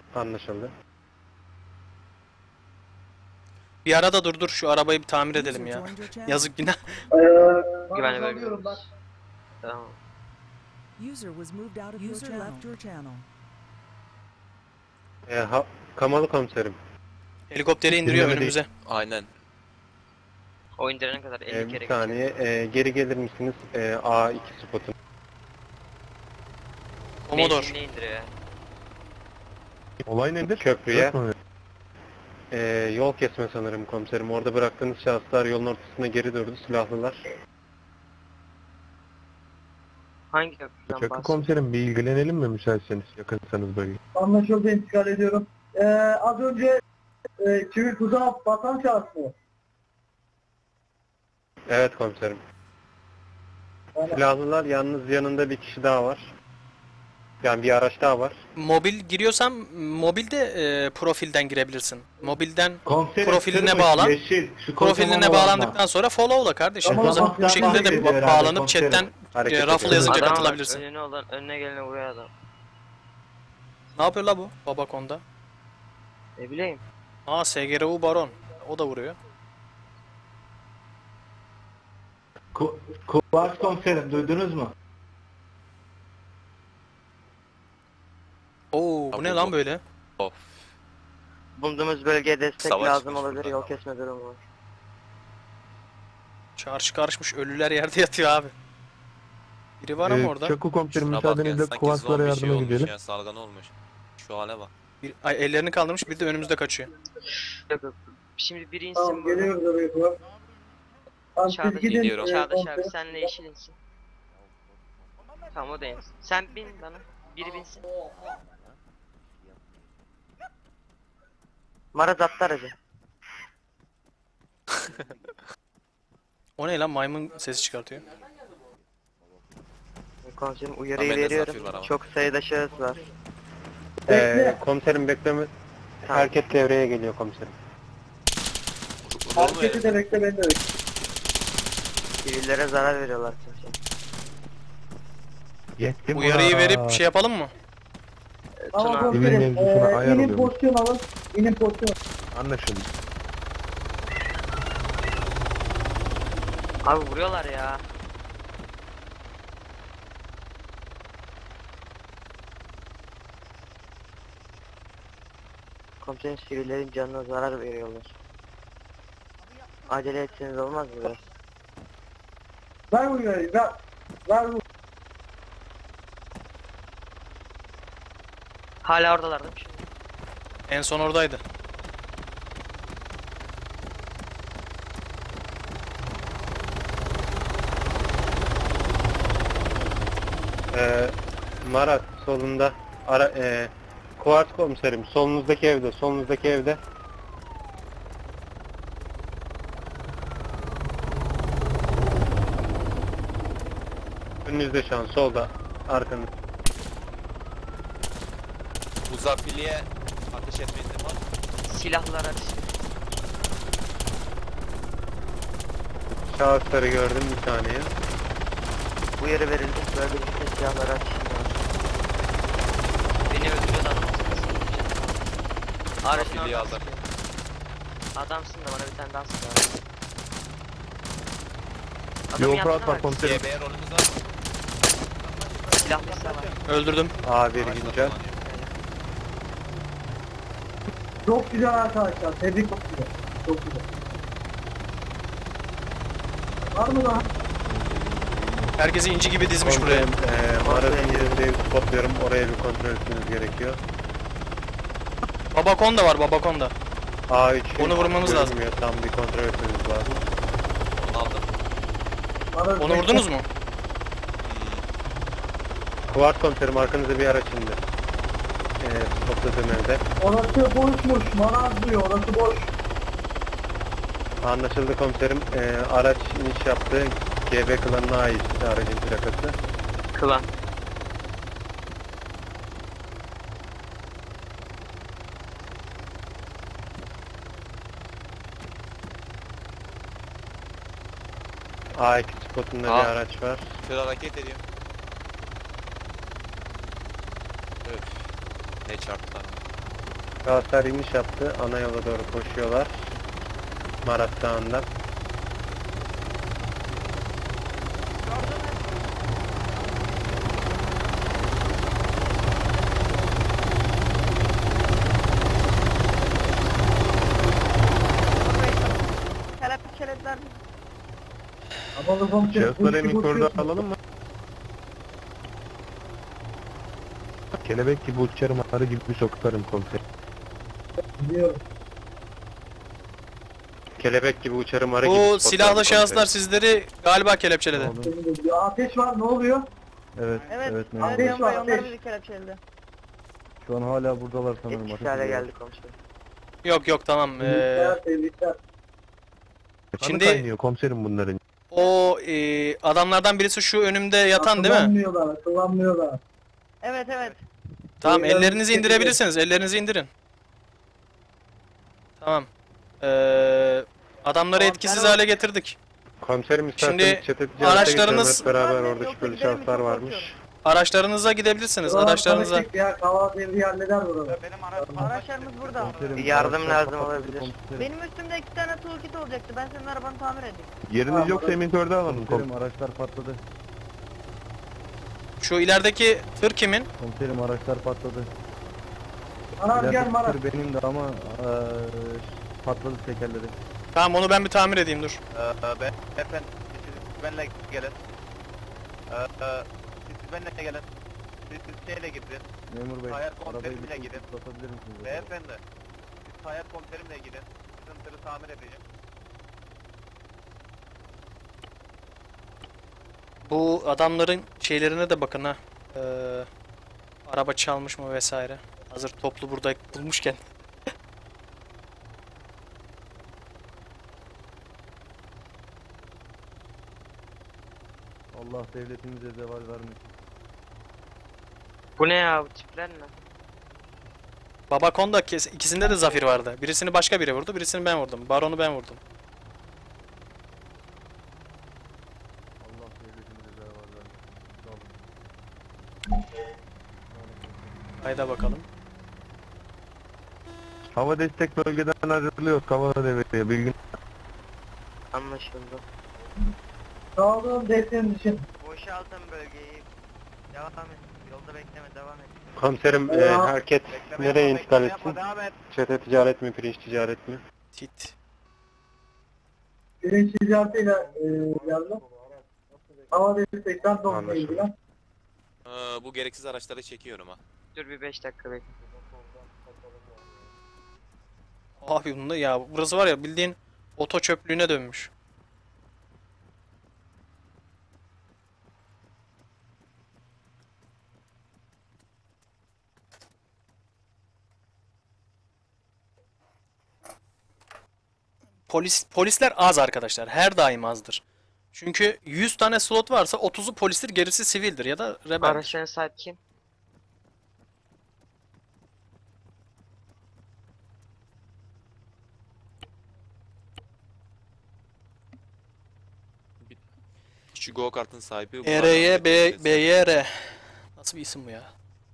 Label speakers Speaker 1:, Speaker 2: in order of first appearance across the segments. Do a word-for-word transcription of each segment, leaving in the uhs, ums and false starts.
Speaker 1: Anlaşıldı.
Speaker 2: Bir arada dur dur şu arabayı bir tamir edelim ya. Yazık günah.
Speaker 3: Güvenli bölge. Tamam.
Speaker 4: User was moved out of User left your channel.
Speaker 1: E, ha, Kamalı komiserim.
Speaker 2: Helikopteri indiriyor
Speaker 1: Dinleme
Speaker 2: önümüze.
Speaker 5: Aynen.
Speaker 3: O indirene kadar elli
Speaker 1: E,
Speaker 3: kere
Speaker 1: bir saniye. E, geri gelir misiniz? E, A iki spotun.
Speaker 2: Komodor.
Speaker 3: Ne indiriyor ya?
Speaker 6: Olay nedir?
Speaker 1: Köprüye. E, yol kesme sanırım komiserim. Orada bıraktığınız şahıslar yolun ortasına geri durdu. Silahlılar.
Speaker 3: Hangi köprüden
Speaker 6: Çakı
Speaker 3: bahsediyorsun?
Speaker 6: komiserim bir ilgilenelim mi müsaitseniz yakınsanız bölge?
Speaker 7: Anlaşıldı, intikal ediyorum. Ee, az önce e, çivil tuzağa batan şahıs mı?
Speaker 1: Evet komiserim.
Speaker 7: Yani,
Speaker 1: Silahlılar yalnız yanında bir kişi daha var. Yani bir araç daha var.
Speaker 2: Mobil giriyorsan mobilde e, profilden girebilirsin. Mobilden
Speaker 8: Komiserim,
Speaker 2: profiline
Speaker 8: kırmızı,
Speaker 2: bağlan.
Speaker 8: yeşil, şu
Speaker 2: Profiline
Speaker 8: kocaman
Speaker 2: bağlandıktan sonra follow'la kardeşim.
Speaker 7: Tamam,
Speaker 2: O zaman
Speaker 7: tamam,
Speaker 2: bu şekilde de
Speaker 8: tamam.
Speaker 2: bağlanıp
Speaker 8: Komiserim.
Speaker 2: chatten
Speaker 1: Hareket
Speaker 2: e, raffle
Speaker 1: ediyor.
Speaker 2: yazınca
Speaker 3: Adam var,
Speaker 2: katılabilirsin.
Speaker 3: önüne olan, önüne gelene vuruyor adam.
Speaker 2: Ne yapıyor la bu Babakon'da?
Speaker 3: Ne bileyim.
Speaker 2: Aa S G R U Baron. O da vuruyor.
Speaker 8: Ku Kuvars komiserim, duydunuz mu?
Speaker 2: Oo bu ne lan böyle?
Speaker 5: Of.
Speaker 3: Bulunduğumuz bölgeye destek
Speaker 5: Savaş
Speaker 3: lazım
Speaker 5: çıkmış
Speaker 3: olabilir,
Speaker 5: burada.
Speaker 3: yol kesme durumu var.
Speaker 2: Çarşı karışmış, ölüler yerde yatıyor abi. Biri var ama
Speaker 6: Ee,
Speaker 2: orada.
Speaker 6: Çakı komiserim
Speaker 5: Şuna bak ya,
Speaker 6: müsaadenizle
Speaker 5: sanki
Speaker 6: Kuvarslara
Speaker 5: zombi şey
Speaker 6: yardıma
Speaker 5: olmuş
Speaker 6: gidelim.
Speaker 5: ya, salgın olmuş. Şu hale bak.
Speaker 2: Bir, ay, ellerini kaldırmış, bir de önümüzde kaçıyor.
Speaker 3: Yok yok. Şimdi biri
Speaker 7: tamam,
Speaker 3: insin burada.
Speaker 7: geliyoruz oraya falan. Tamam, siz
Speaker 3: Çağdaş,
Speaker 7: gidin.
Speaker 5: gidiyorum.
Speaker 7: e,
Speaker 3: Çağdaş abi
Speaker 7: komiserim.
Speaker 3: senle yeşil insin. Tamam o da insin. Sen bin bana. Biri binsin. Maraz attı aracı.
Speaker 2: O ne lan, maymun sesi çıkartıyor.
Speaker 3: Komiserim uyarıyı
Speaker 5: Ahmet'te
Speaker 3: veriyorum.
Speaker 5: zafir var ama.
Speaker 3: Çok sayıda şahıs var.
Speaker 1: E,
Speaker 7: Bekle.
Speaker 1: komiserim bekleme.
Speaker 3: Tamam.
Speaker 1: Hareket devreye geliyor komiserim.
Speaker 5: Vurur mu
Speaker 7: Hareketi
Speaker 5: herif?
Speaker 7: de bekle, beni de bekle.
Speaker 3: Sivillere zarar veriyorlar çünkü.
Speaker 6: Yettim
Speaker 2: Uyarıyı
Speaker 6: ulan.
Speaker 2: verip şey yapalım mı?
Speaker 7: Tamam
Speaker 3: Tuna.
Speaker 7: komiserim,
Speaker 6: Evin mevzusuna
Speaker 7: e,
Speaker 6: ayar
Speaker 7: inin
Speaker 6: oluyormuş.
Speaker 7: pozisyon alın. İnin pozisyon.
Speaker 6: Anlaşıldı.
Speaker 3: Abi vuruyorlar ya. Komiserim sivillerin canına zarar veriyorlar. Acele etseniz olmaz mı biraz?
Speaker 7: Ver bu uyarıyı, ver. Ver bu.
Speaker 3: Hala oradalar değil mi?
Speaker 2: En son oradaydı.
Speaker 1: E, Marat solunda. Ara, e, Kuvars komiserim solunuzdaki evde. Solunuzdaki evde. Önünüzde şu an solda. Arkanız.
Speaker 5: Bu zafiliye ateş etme izin var.
Speaker 3: Silahlılar ateş.
Speaker 1: Şahısları gördüm, bir saniye.
Speaker 3: Uyarı verildi. Böyle bir silahlar ateş. Beni öldürüyor da adam. Aracın
Speaker 5: Zafiliye
Speaker 3: orada.
Speaker 5: aldım.
Speaker 3: Adamsın da bana bir tane daha silah.
Speaker 6: Bir
Speaker 3: Adamın
Speaker 6: operat
Speaker 3: yanına
Speaker 6: var
Speaker 3: bak.
Speaker 6: komiserim.
Speaker 5: G B rolümüz var mı?
Speaker 3: Silahlıysa var.
Speaker 2: Öldürdüm.
Speaker 1: A bir
Speaker 5: Araçla
Speaker 1: güncel.
Speaker 5: kullanıyor.
Speaker 7: Çok güzel arkadaşlar, tebrik çok güzel. Çok güzel. Var mı daha?
Speaker 2: Herkesi inci gibi dizmiş buraya.
Speaker 1: Komiserim, e, Marat'ın yerinde evi spotluyorum. Oraya bir kontrol etmeniz gerekiyor.
Speaker 2: Babakon da var, Babakon da.
Speaker 1: A üç.
Speaker 2: Onu vurmamız lazım.
Speaker 1: görünmüyor, tam bir kontrol etmeniz lazım.
Speaker 5: Onu aldım.
Speaker 7: Bana
Speaker 2: Onu
Speaker 7: bekle.
Speaker 2: vurdunuz mu?
Speaker 1: Kuvars komiserim arkanızda bir araç indi. E, spotladığım evde.
Speaker 7: Orası boşmuş, maraz diyor, orası boş.
Speaker 1: Anlaşıldı komiserim. E, araç iniş yaptı. G B klanına ait aracın plakası.
Speaker 3: Kılan.
Speaker 1: A iki spotunda
Speaker 5: Aa.
Speaker 1: bir araç var.
Speaker 5: Tır hareket ediyor. Öf. Ne çarptılar.
Speaker 1: Şahıslar iniş yaptı. Ana yola doğru koşuyorlar. Marat Dağı'nda.
Speaker 9: Kelepçelediler.
Speaker 7: Havalı komiserim.
Speaker 6: Şahısları
Speaker 7: uçtu,
Speaker 6: emikorda
Speaker 7: uçtu.
Speaker 6: alalım mı? Kelebek gibi uçarım, arı gibi sokarım komiserim.
Speaker 7: Biliyorum.
Speaker 1: Kelebek gibi uçarım arı gibi.
Speaker 2: Bu
Speaker 1: spotlarım
Speaker 2: silahlı
Speaker 1: komiserim.
Speaker 2: şahıslar sizleri galiba kelepçeledi.
Speaker 7: Bir ateş var, ne oluyor?
Speaker 6: Evet,
Speaker 9: Evet. Evet,
Speaker 7: memur.
Speaker 9: evet,
Speaker 7: Ateş var,
Speaker 9: onlar
Speaker 7: ateş.
Speaker 9: bizi kelepçeledi.
Speaker 6: Şu an hala buradalar
Speaker 3: Etkisiz hale geldi komiserim.
Speaker 2: Yok yok tamam. Ee,
Speaker 7: Tebrikler, tebrikler.
Speaker 2: Şimdi-
Speaker 6: Şimdi kaynıyor komiserim bunların.
Speaker 2: o e, adamlardan birisi şu önümde yatan değil mi?
Speaker 7: Kullanmıyorlar, kullanmıyorlar.
Speaker 9: Evet evet.
Speaker 2: Tamam,
Speaker 7: Beyler,
Speaker 2: ellerinizi
Speaker 7: teşekkür
Speaker 2: indirebilirsiniz. Ellerinizi indirin. Tamam. Ee, adamları
Speaker 9: Tamam,
Speaker 2: etkisiz
Speaker 9: ben o-
Speaker 2: hale getirdik.
Speaker 1: Komiserim isterseniz
Speaker 2: Şimdi
Speaker 1: çete ticarete
Speaker 2: araçlarınız-
Speaker 1: geçelim hep beraber
Speaker 9: Ben
Speaker 1: orada
Speaker 9: yoksa
Speaker 1: şüpheli
Speaker 9: giderim,
Speaker 1: şahıslar
Speaker 9: çok
Speaker 1: varmış.
Speaker 9: korkuyorum.
Speaker 2: Araçlarınıza gidebilirsiniz.
Speaker 7: Ulan
Speaker 2: Araçlarınıza.
Speaker 7: tanıştık Ya, Kavala devri halleder bunu.
Speaker 9: Araçlarımız burada.
Speaker 3: Bir yardım lazım olabilir.
Speaker 9: Benim üstümde iki tane toolkit olacaktı. Ben senin arabanı tamir edeyim.
Speaker 6: Yeriniz yoksa emikorda alalım komiserim.
Speaker 10: Araçlar patladı.
Speaker 2: Şu ilerideki tır kimin?
Speaker 10: Komiserim araçlar patladı.
Speaker 7: Anam gel Marat.
Speaker 10: tır benim de ama eee, patladı tekerleri.
Speaker 2: Tamam, onu ben bir tamir edeyim dur.
Speaker 5: Ee, ben, efendim, siz benimle gelin. Ee, siz benimle gelin. Siz, siz şeyle gidin.
Speaker 10: Memur bey,
Speaker 5: Hayır,
Speaker 10: arabayı
Speaker 5: komiserimle
Speaker 10: bir
Speaker 5: gidin.
Speaker 10: tutabilir misiniz?
Speaker 5: Beyefendi, siz hayat komiserimle gidin. Sizin tırı tamir edeceğim.
Speaker 2: Bu adamların şeylerine de bakın ha. Ee, araba çalmış mı vesaire. Hazır toplu burada bulmuşken.
Speaker 10: Allah devletimize zeval vermesin.
Speaker 3: Bu ne ya, bu tipler ne?
Speaker 2: Baba Konda kes- ikisinde de zafir vardı. Birisini başka biri vurdu, birisini ben vurdum. Baron'u ben vurdum.
Speaker 10: Allah devletimize zeval vermesin. Sağ olun.
Speaker 2: Hayda bakalım.
Speaker 6: Hava destek bölgeden ayrılıyor. Kavala devriye bilgin.
Speaker 3: Anlaşıldı.
Speaker 7: Sağ olun desteğiniz için.
Speaker 3: Boşaltın bölgeyi. Devam et. Yolda bekleme, devam et.
Speaker 1: Komiserim e,
Speaker 7: Eyvah.
Speaker 1: hareket
Speaker 5: Bekleme
Speaker 1: nereye
Speaker 5: yapma,
Speaker 1: intikal
Speaker 5: bekleme
Speaker 1: etsin?
Speaker 5: yapma, devam et.
Speaker 1: Çete ticaret mi, pirinç ticaret mi?
Speaker 2: Tit.
Speaker 7: Birinci ticaretiyle e, geldim. Hava destekten dolayı
Speaker 1: Anlaşıldı.
Speaker 7: ilgilen.
Speaker 5: Ee, bu gereksiz araçları çekiyorum ha.
Speaker 3: Dur bir beş dakika bekle.
Speaker 2: Abi bunda ya burası var ya bildiğin oto çöplüğüne dönmüş. Polis polisler az arkadaşlar. Her daim azdır. Çünkü yüz tane slot varsa otuzu polistir, gerisi sivildir ya da rebeldir.
Speaker 3: Araçların sahibi kim?
Speaker 5: Şu go kartın sahibi.
Speaker 2: E R Y B B Y R. Nasıl bir isim bu ya?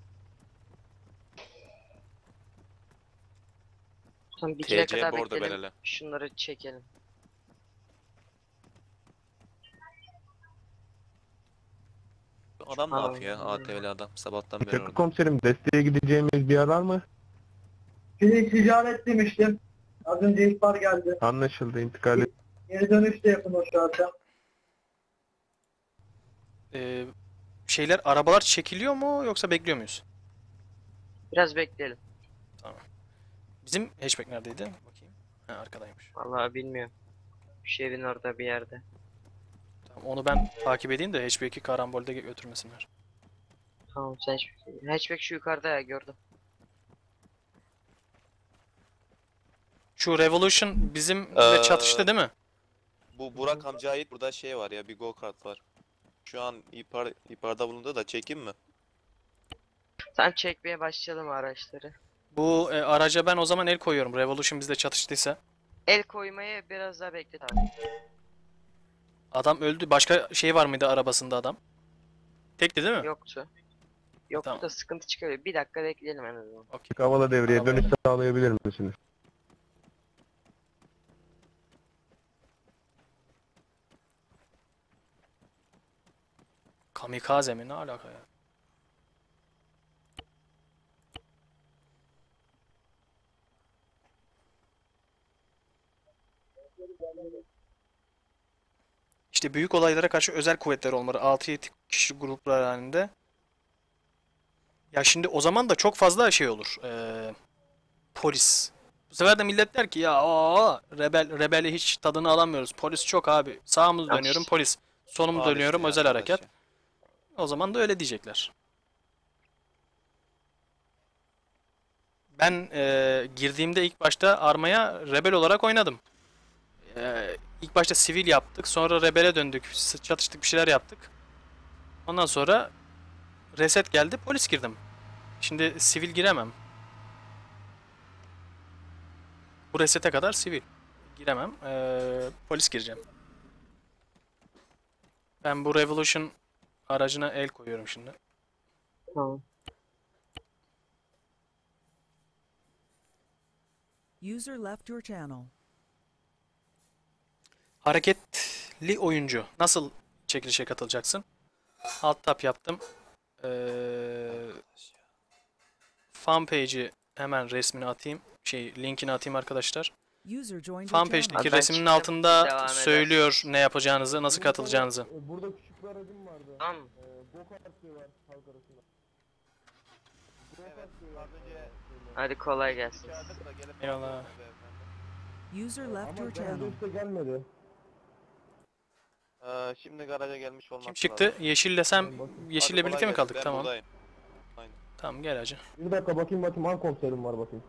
Speaker 3: Tamam, bir kere
Speaker 5: T C
Speaker 3: kadar
Speaker 5: bordo
Speaker 3: bekleyelim.
Speaker 5: belirle.
Speaker 3: Şunları çekelim.
Speaker 5: Adam ne
Speaker 3: Aa.
Speaker 5: yapıyor ya? A T V'li adam. Sabahtan beri
Speaker 6: Çakı
Speaker 5: orada.
Speaker 6: komiserim desteğe gideceğimiz bir yer var mı?
Speaker 7: Birinci ticaret demiştim. Az önce ihbar geldi.
Speaker 6: Anlaşıldı, intikal et.
Speaker 7: Geri dönüş de yapın o şarta.
Speaker 2: Ee, şeyler arabalar çekiliyor mu yoksa bekliyor muyuz?
Speaker 3: Biraz bekleyelim.
Speaker 2: Bizim hatchback neredeydi? Bakayım. Ha, arkadaymış.
Speaker 3: Vallahi bilmiyorum. Şu evin orada bir yerde.
Speaker 2: Tamam, onu ben takip edeyim de hatchback'i karambolde götürmesinler.
Speaker 3: Tamam, sen hatchback. Hatchback şu yukarıda ya, gördüm.
Speaker 2: Şu Revolution bizimle
Speaker 5: Ee,
Speaker 2: çatıştı değil mi?
Speaker 5: Bu Burak amcaya ait burada şey var ya, bir go kart var. Şu an ihbar, ihbarda bulundu da çekeyim mi?
Speaker 3: Sen çekmeye başlayalım araçları.
Speaker 2: Bu e, araca ben o zaman el koyuyorum. Revolution bizle çatıştıysa.
Speaker 3: El koymayı biraz daha beklet abi.
Speaker 2: Adam öldü. Başka şey var mıydı arabasında adam? Tekti değil mi?
Speaker 3: Yoktu. Yok
Speaker 2: Tamam.
Speaker 3: burada sıkıntı çıkıyor. Bir dakika bekleyelim en azından.
Speaker 6: Kavala devreye
Speaker 2: Tamam.
Speaker 6: dönüş sağlayabilir misiniz?
Speaker 2: Kamikaze mi? Ne alaka ya? İşte büyük olaylara karşı özel kuvvetler olmalı. altı yedi kişi gruplar halinde. Ya şimdi o zaman da çok fazla şey olur. Ee, polis. Bu sefer de millet der ki ya o rebel rebeli hiç tadını alamıyoruz. Polis çok abi. Sağımız
Speaker 3: Yanlış.
Speaker 2: dönüyorum polis. Sonumu dönüyorum özel harekat. O zaman da öyle diyecekler. Ben e, girdiğimde ilk başta armaya rebel olarak oynadım. E, ilk başta sivil yaptık. Sonra rebele döndük. s- Çatıştık bir şeyler yaptık. Ondan sonra reset geldi. Polis girdim. Şimdi sivil giremem. Bu resete kadar sivil. Giremem. E, polis gireceğim. Ben bu Revolution aracına el koyuyorum şimdi.
Speaker 3: Tamam.
Speaker 4: User left your channel.
Speaker 2: Hareketli oyuncu. Nasıl çekilişe katılacaksın? Alt tab yaptım. Ee, fan page'i hemen resmini atayım. Şey linkini atayım arkadaşlar.
Speaker 4: User joined your
Speaker 2: Fan
Speaker 4: channel.
Speaker 2: page'deki
Speaker 3: Abi ben
Speaker 2: resmin
Speaker 3: çıktım,
Speaker 2: altında
Speaker 3: devam
Speaker 2: söylüyor ne yapacağınızı, nasıl katılacağınızı.
Speaker 6: Burada küçük bir aracım vardı.
Speaker 3: Tamam mı?
Speaker 6: Go-kart var halk arasında.
Speaker 5: Evet. Az önce
Speaker 3: Hadi kolay gelsin.
Speaker 5: çağırdık da gelip
Speaker 2: Eyvallah.
Speaker 5: aldılar beyefendi.
Speaker 4: User left
Speaker 6: Ama
Speaker 4: your
Speaker 6: garaja
Speaker 4: channel.
Speaker 6: işte gelmedi.
Speaker 5: Ee, şimdi garaja gelmiş olması
Speaker 2: Kim çıktı? Yeşille sen Yeşille birlikte mi kaldık? Tamam.
Speaker 5: Buradayım.
Speaker 2: Tamam gel hacı.
Speaker 6: Bir dakika bakayım bakayım han komiserim var bakayım.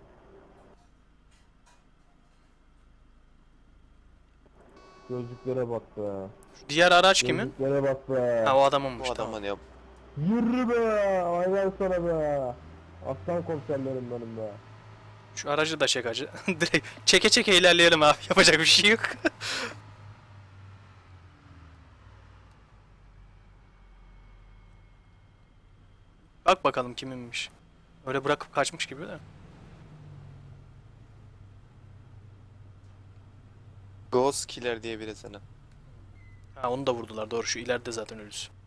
Speaker 6: Gözlüklere bak be.
Speaker 2: Diğer araç kimin?
Speaker 6: Gözlüklere bak be.
Speaker 2: Ha o adamınmış tamam.
Speaker 5: ya.
Speaker 6: Yürü be. Aynen sana be. Aslan komiserlerim benim be.
Speaker 2: Şu aracı da çek hacı. Direkt çeke çeke ilerleyelim abi. Yapacak bir şey yok. Bak bakalım kiminmiş. Öyle bırakıp kaçmış gibi de.
Speaker 11: Ghost Killer diye biri sana.
Speaker 2: Ha onu da vurdular doğru şu ileride zaten ölüsü.